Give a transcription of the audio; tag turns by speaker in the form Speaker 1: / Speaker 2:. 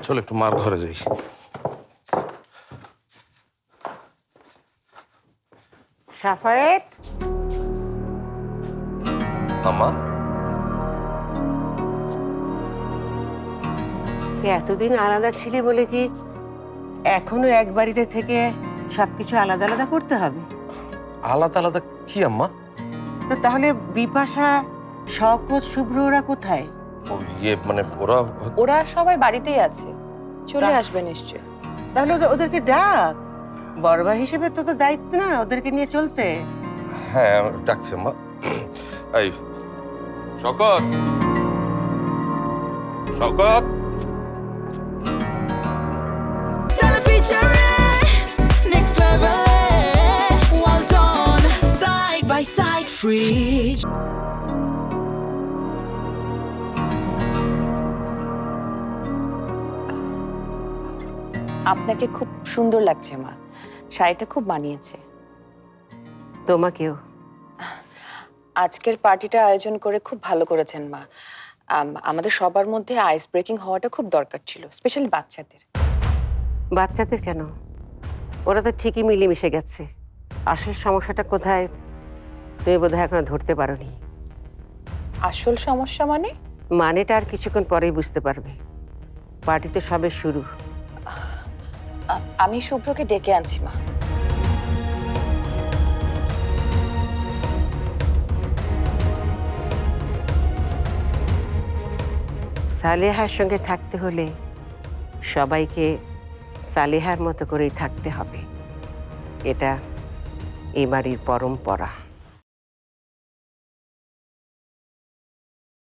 Speaker 1: চল একটু মার ঘরে যাই।
Speaker 2: সাফায়েত,
Speaker 1: আম্মা,
Speaker 2: এতদিন আলাদা ছিলি বলে কি এখনো এক বাড়িতে থেকে সবকিছু আলাদা আলাদা করতে হবে?
Speaker 1: আলাদা আলাদা কি আম্মা?
Speaker 2: তো তাহলে বিপাশা, শওকত, শুভ্র ওরা কোথায়?
Speaker 1: ও মানে ওরা
Speaker 3: ওরা সবাই বাড়িতেই আছে, চলে
Speaker 2: তা-
Speaker 3: আসবে নিশ্চয়।
Speaker 2: তাহলে ওদেরকে ডাক। বড় ভাই হিসেবে তো দায়িত্ব না ওদেরকে নিয়ে চলতে।
Speaker 1: হ্যাঁ ডাকছে আম্মা। এই Shawkat, Shawkat,
Speaker 4: Stella featuring next level. Well done, side by side, free.
Speaker 3: আপনাকে খুব সুন্দর লাগছে মা, শাড়িটা খুব মানিয়েছে।
Speaker 2: তোমাকেও।
Speaker 3: আজকের পার্টিটা আয়োজন করে খুব ভালো করেছেন মা। আমাদের সবার মধ্যে আইস ব্রেকিং হওয়াটা খুব দরকার ছিল, স্পেশালি বাচ্চাদের।
Speaker 2: বাচ্চাদের কেন? ওরা তো ঠিকই মিলেমিশে গেছে। আসল সমস্যাটা কোথায় তুমি বোধহয় এখনো ধরতে পারোনি।
Speaker 3: আসল সমস্যা মানে?
Speaker 2: মানেটা আর কিছুক্ষণ পরেই বুঝতে পারবে। পার্টি তো সবে শুরু।
Speaker 3: আমি শুভ্রকে ডেকে আনছি মা।
Speaker 2: সালেহার সঙ্গে থাকতে হলে সবাইকে সালেহার মতো করেই থাকতে হবে। এটা এই বাড়ির পরম্পরা।